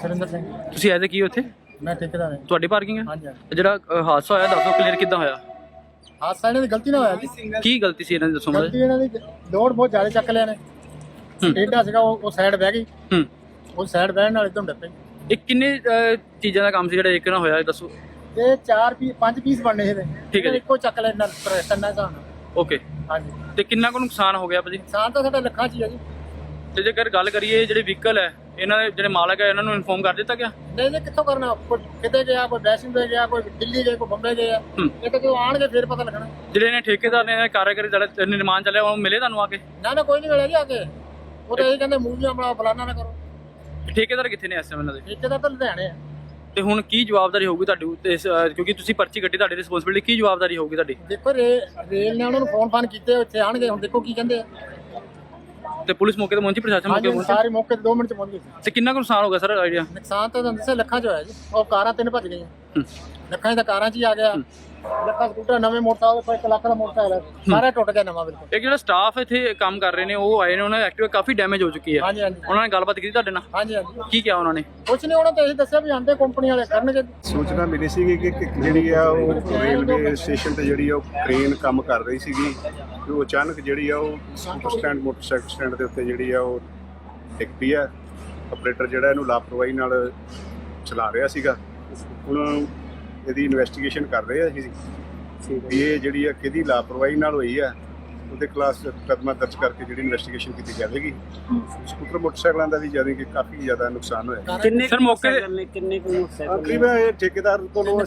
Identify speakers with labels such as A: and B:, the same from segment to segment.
A: ਸੁਰਿੰਦਰ ਸਿੰਘ।
B: ਤੁਸੀਂ ਐਜ਼ ਕੀ ਹੋ ਇੱਥੇ?
A: ਮੈਂ ਠੇਕੇਦਾਰ ਹਾਂ।
B: ਤੁਹਾਡੀ ਪਾਰਕਿੰਗ ਹੈ?
A: ਹਾਂਜੀ।
B: ਜਿਹੜਾ ਹਾਦਸਾ ਹੋਇਆ ਦੱਸੋ ਕਲੀਅਰ ਕਿੱਦਾਂ ਹੋਇਆ?
A: ਹਾਦਸਾ ਇਹਨਾਂ ਦੀ ਗਲਤੀ ਨਾਲ ਹੋਇਆ ਜੀ।
B: ਕੀ ਗਲਤੀ ਸੀ ਇਹਨਾਂ ਦੀ ਦੱਸੋ
A: ਗਲਤੀ ਇਹਨਾਂ ਦੀ ਲੋਡ ਬਹੁਤ ਜ਼ਿਆਦਾ ਚੱਕ ਲਿਆ ਨੇ। ਟੇਢਾ ਸੀਗਾ ਉਹ ਸਾਈਡ ਬਹਿ ਗਈ। ਉਹ ਸਾਈਡ ਬਹਿਣ ਨਾਲ ਇਦੋਂ ਡੱਪੇ।
B: ਇਹ ਕਿੰਨੇ ਚੀਜ਼ਾਂ ਦਾ ਕੰਮ ਸੀ ਜਿਹੜਾ ਇੱਕ ਨਾਲ ਹੋਇਆ ਦੱਸੋ?
A: ਇਹ 5 ਪੀਸ ਬਣਨੇ ਇਹਦੇ।
B: ਠੀਕ ਹੈ ਜੀ।
A: ਇੱਕੋ ਚੱਕ ਲੈਣਾ ਤੰਨਾ ਹਿਸਾਬ ਨਾਲ।
B: ਓਕੇ।
A: ਹਾਂਜੀ।
B: ਤੇ ਕਿੰਨਾ ਕੁ ਨੁਕਸਾਨ ਹੋ ਗਿਆ ਭਾਜੀ?
A: ਨੁਕਸਾਨ ਤਾਂ ਸਾਡਾ ਲੱਖਾਂ 'ਚ ਹੀ ਆ ਜੀ।
B: ਤੇ ਜੇਕਰ ਗੱਲ ਕਰੀਏ ਜਿਹੜੇ ਵਹੀਕਲ ਹੈ ਇਹਨਾਂ ਦੇ ਜਿਹੜੇ ਮਾਲਕ ਹੈ ਇਹਨਾਂ ਨੂੰ ਇਨਫੋਰਮ ਕਰ ਦਿੱਤਾ ਗਿਆ?
A: ਨਹੀਂ ਜੀ, ਕਿੱਥੋਂ ਕਰਨਾ? ਕੋਈ ਕਿਤੇ ਗਿਆ, ਕੋਈ ਵੈਸ਼ਨੋ ਗਿਆ, ਕੋਈ ਦਿੱਲੀ ਗਿਆ, ਕੋਈ ਬੰਬੇ ਗਿਆ। ਇਹ ਤਾਂ ਜਦੋਂ ਆਣਗੇ ਫਿਰ ਪਤਾ ਲੱਗਣਾ।
B: ਜਿਹੜੇ ਨੇ ਠੇਕੇਦਾਰ ਨੇ ਕਾਰਜਕਾਰੀ ਜਿਹੜਾ ਨਿਰਮਾਣ ਚੱਲਿਆ ਉਹ ਮਿਲੇ ਤੁਹਾਨੂੰ ਆ ਕੇ?
A: ਨਾ ਕੋਈ ਨਹੀਂ ਮਿਲਿਆ ਜੀ ਆ ਕੇ। ਉਹ ਤਾਂ ਇਹ ਕਹਿੰਦੇ ਮੂਵੀਆਂ ਬਣਾ ਫਲਾਨਾ ਨਾ ਕਰੋ।
B: ਠੇਕੇਦਾਰ ਕਿੱਥੇ ਨੇ ਇਸ ਸਮੇਂ ਇਹਨਾਂ ਦੇ?
A: ਠੇਕੇਦਾਰ ਤਾਂ ਲੁਧਿਆਣੇ ਆ।
B: ਤੇ ਹੁਣ ਕੀ ਜਵਾਬਦਾਰੀ ਹੋਊਗੀ ਤੁਹਾਡੀ ਉੱਤੇ ਕਿਉਂਕਿ ਤੁਸੀਂ ਪਰਚੀ ਕੱਟੀ, ਤੁਹਾਡੀ ਰਿਸਪੌਂਸਿਬਿਲਿਟੀ ਕੀ ਜਵਾਬਦਾਰੀ ਹੋਊਗੀ ਤੁਹਾਡੀ?
A: ਦੇਖੋ ਰੇਲ ਨੇ ਉਹਨਾਂ ਨੂੰ ਫੋਨ ਕੀਤੇ, ਉੱਥੇ ਆਣਗੇ। ਹੁਣ ਦੇਖੋ ਕੀ ਕਹਿੰਦੇ ਆ।
B: ਤੇ ਪੁਲਿਸ ਮੌਕੇ ਤੇ ਪਹੁੰਚੀ, ਪ੍ਰਸ਼ਾਸਨ ਮੌਕੇ ਪਹੁੰਚੀ?
A: ਸਾਰੇ ਮੌਕੇ ਤੇ 2 ਮਿੰਟ ਚ ਪਹੁੰਚ ਗਏ।
B: ਤੇ ਕਿੰਨਾ ਕੁ ਨੁਕਸਾਨ ਹੋ ਗਿਆ ਸਰ ਆਈਡੀਆ?
A: ਨੁਕਸਾਨ ਤਾਂ ਦੱਸਿਆ ਲੱਖਾਂ ਚ ਹੋਇਆ ਜੀ। ਉਹ ਕਾਰਾਂ 3 ਭੱਜ ਗਈਆਂ। ਲੱਖਾਂ ਦੀ ਤਾਂ ਕਾਰਾਂ 'ਚ ਹੀ ਆ ਗਿਆ। ਲੱਖਾਂ ਸਕੂਟਰ ਨਵੇਂ ਮੋਟਰਸਾਈਕਲ 1 ਲੱਖ ਦਾ ਮੋਟਰਸਾਈਕਲ ਸਾਰਾ ਟੁੱਟ ਗਿਆ ਨਵਾਂ ਬਿਲਕੁਲ।
B: ਇੱਕ ਜਿਹੜਾ ਸਟਾਫ ਇੱਥੇ ਕੰਮ ਕਰ ਰਹੇ ਨੇ ਉਹ ਆਏ ਨੇ, ਉਹਨਾਂ ਦੀ ਐਕਟਿਵਾ ਕਾਫੀ ਡੈਮੇਜ ਹੋ ਚੁੱਕੀ ਹੈ।
A: ਹਾਂਜੀ।
B: ਉਹਨਾਂ ਨੇ ਗੱਲਬਾਤ ਕੀਤੀ ਤੁਹਾਡੇ ਨਾਲ?
A: ਹਾਂਜੀ।
B: ਕੀ ਕਿਹਾ ਉਹਨਾਂ ਨੇ?
A: ਕੁਛ ਨਹੀਂ, ਉਹਨਾਂ ਤਾਂ ਇਹ ਦੱਸਿਆ ਵੀ ਆਂਦੇ ਕੰਪਨੀ ਵਾਲੇ ਕਰਨਗੇ।
C: ਸੂਚਨਾ ਮਿਲੀ ਸੀਗੀ ਕਿ ਜਿਹੜੀ ਆ ਉਹ ਰੇਲਵੇ ਸਟੇਸ਼ਨ ਤੇ ਜਿਹੜੀ ਆ ਉਹ ਕ੍ਰੇਨ ਕੰਮ ਕਰ ਰਹੀ ਸੀਗੀ ਤੇ ਉਹ ਅਚਾਨਕ ਜਿਹੜੀ ਆ ਉਹ ਸਕੂਟਰ ਸਟੈਂਡ ਮੋਟਰਸਾਈਕਲ ਸਟੈਂਡ ਦੇ ਉੱਤੇ ਜਿਹੜੀ ਆ ਉਹ ਡਿੱਗ ਪਈ ਆ। ਆਪਰੇਟਰ ਜਿਹੜਾ ਇਹਨੂੰ ਲਾਪਰਵਾਹੀ ਨਾਲ ਚਲਾ ਰਿਹਾ ਸੀਗਾ। ਹੁਣ ਇਹਦੀ ਇਨਵੈਸਟੀਗੇਸ਼ਨ ਕਰ ਰਹੇ ਆ ਅਸੀਂ ਵੀ ਇਹ ਜਿਹੜੀ ਆ ਕਿਹਦੀ ਲਾਪਰਵਾਹੀ ਨਾਲ ਹੋਈ ਆ। ਉਹਦੇ ਖਿਲਾਫ ਮੁਕੱਦਮਾ ਦਰਜ ਕਰਕੇ ਜਿਹੜੀ ਇਨਵੈਸਟੀਗੇਸ਼ਨ ਕੀਤੀ ਜਾਵੇਗੀ। ਸਕੂਟਰ ਮੋਟਰਸਾਈਕਲਾਂ ਦਾ ਵੀ ਕਾਫੀ ਜ਼ਿਆਦਾ ਨੁਕਸਾਨ ਹੋਇਆ।
B: ਕਿੰਨੇ ਸਰ ਮੌਕੇ
D: ਕਿੰਨੇ ਕੁ ਮੋਟਰਸਾਈਕਲ?
C: ਤਕਰੀਬਨ ਇਹ ਠੇਕੇਦਾਰ ਕੋਲੋਂ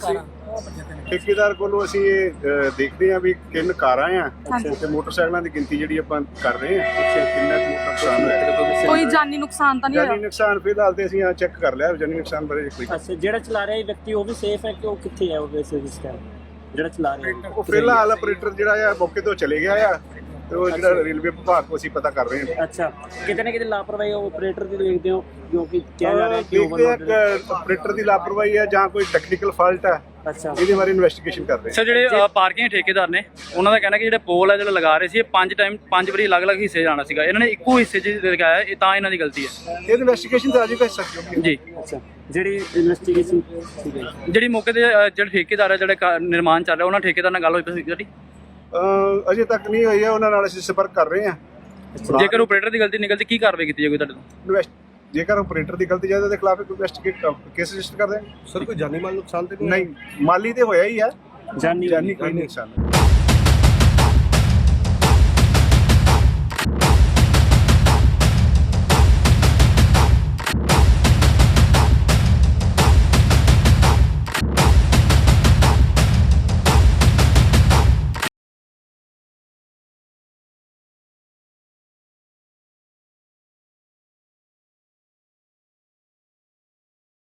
C: ਅਸੀਂ ਇਹ ਦੇਖਦੇ ਹਾਂ ਵੀ 3 ਕਾਰਾਂ ਆ ਤੇ ਮੋਟਰਸਾਈਕਲਾਂ ਦੀ ਗਿਣਤੀ ਜਿਹੜੀ ਆਪਾਂ ਕਰ ਰਹੇ ਹਾਂ ਕਿੰਨਾ ਕੁ ਨੁਕਸਾਨ ਹੋਇਆ।
E: ਕੋਈ ਜਾਨੀ ਨੁਕਸਾਨ ਤਾਂ ਨਹੀਂ ਹੋਇਆ?
C: ਜਾਨੀ ਨੁਕਸਾਨ ਫਿਲਹਾਲ ਤੇ ਅਸੀਂ ਚੈੱਕ ਕਰ ਲਿਆ। ਜਾਨੀ ਨੁਕਸਾਨ ਬਾਰੇ ਕੋਈ
D: ਅੱਛਾ, ਜਿਹੜਾ ਚਲਾ ਰਿਹਾ ਵਿਅਕਤੀ ਉਹ ਵੀ ਸੇਫ ਹੈ ਕਿ ਉਹ ਕਿੱਥੇ ਹੈ? ਉਹ ਵੈਸੇ ਇਸ ਟਾਈਮ ਜਿਹੜਾ ਚਲਾ ਰਿਹਾ
C: ਉਹ ਫਿਲਹਾਲ ਆਪਰੇਟਰ ਜਿਹੜਾ ਆ ਮੌਕੇ ਤੋਂ ਚਲੇ ਗਿਆ ਆ ਤੇ ਉਹ ਜਿਹੜਾ ਰੇਲਵੇ ਵਿਭਾਗ ਤੋਂ ਅਸੀਂ ਪਤਾ ਕਰ ਰਹੇ ਹਾਂ।
D: ਅੱਛਾ, ਕਿਤੇ ਨਾ ਕਿਤੇ ਲਾਪਰਵਾਹੀ ਆਪਰੇਟਰ ਦੀ ਦੇਖਦੇ ਹੋ ਜੋ ਕਿ ਕਿਹਾ ਜਾ ਰਿਹਾ ਕਿ
C: ਦੇਖਦੇ ਆ ਆਪਰੇਟਰ ਦੀ ਲਾਪਰਵਾਹੀ ਆ ਜਾਂ ਕੋਈ ਟੈਕਨੀਕਲ ਫਾਲਟ ਆ।
D: ਅੱਛਾ,
C: ਇਹਦੇ ਬਾਰੇ ਇਨਵੈਸਟੀਗੇਸ਼ਨ ਕਰ ਰਹੇ
B: ਸਰ ਜਿਹੜੇ ਪਾਰਕਿੰਗ ਠੇਕੇਦਾਰ ਨੇ ਉਹਨਾਂ ਦਾ ਕਹਿਣਾ ਕਿ ਜਿਹੜੇ ਪੋਲ ਹੈ ਜਿਹੜਾ ਲਗਾ ਰਹੇ ਸੀ ਇਹ 5 ਵਾਰੀ ਅਲੱਗ-ਅਲੱਗ ਹਿੱਸੇ ਜਾਣਾ ਸੀਗਾ, ਇਹਨਾਂ ਨੇ ਇੱਕੋ ਹਿੱਸੇ 'ਚ ਲਗਾਇਆ, ਇਹ ਤਾਂ ਇਹਨਾਂ ਦੀ ਗਲਤੀ ਹੈ।
C: ਇਹ ਇਨਵੈਸਟੀਗੇਸ਼ਨ ਤਾਂ ਅਜੇ ਕਰ ਸਕਦੇ
B: ਜੀ।
D: ਅੱਛਾ, ਜਿਹੜੀ ਇਨਵੈਸਟੀਗੇਸ਼ਨ ਠੀਕ ਹੈ।
B: ਜਿਹੜੀ ਮੌਕੇ ਤੇ ਜਿਹੜੇ ਠੇਕੇਦਾਰ ਹੈ ਜਿਹੜੇ ਨਿਰਮਾਣ ਚੱਲ ਰਿਹਾ ਉਹਨਾਂ ਠੇਕੇਦਾਰ ਨਾਲ ਗੱਲ ਹੋਈ ਸੀ ਤੁਹਾਡੀ?
C: ਅਜੇ ਤੱਕ ਨਹੀਂ ਹੋਈ ਹੈ। ਉਹਨਾਂ ਨਾਲ ਅਸੀਂ ਸੰਪਰਕ ਕਰ ਰਹੇ ਹਾਂ।
B: ਜੇਕਰ ਆਪਰੇਟਰ ਦੀ ਗਲਤੀ ਨਿਕਲਦੀ ਕੀ ਕਾਰਵਾਈ ਕੀਤੀ ਜਾਊਗੀ ਤੁਹਾਡੇ ਤੋਂ?
C: ਜੇਕਰ ਆਪਰੇਟਰ ਦੀ ਗਲਤੀ ਜਾਏ ਤਾਂ ਉਹਦੇ ਖਿਲਾਫ ਇਨਵੈਸਟੀਗੇਟ ਕੇਸ ਰਜਿਸਟਰ ਕਰ ਦੇਣਗੇ।
F: ਸਰ ਕੋਈ ਜਾਨੀ ਮਾਲ ਨੁਕਸਾਨ ਤੇ
C: ਨਹੀਂ, ਮਾਲੀ ਤੇ ਹੋਇਆ ਹੀ ਆ।
D: ਜਾਨੀ
C: ਕੋਈ ਨੁਕਸਾਨ ਨਹੀਂ।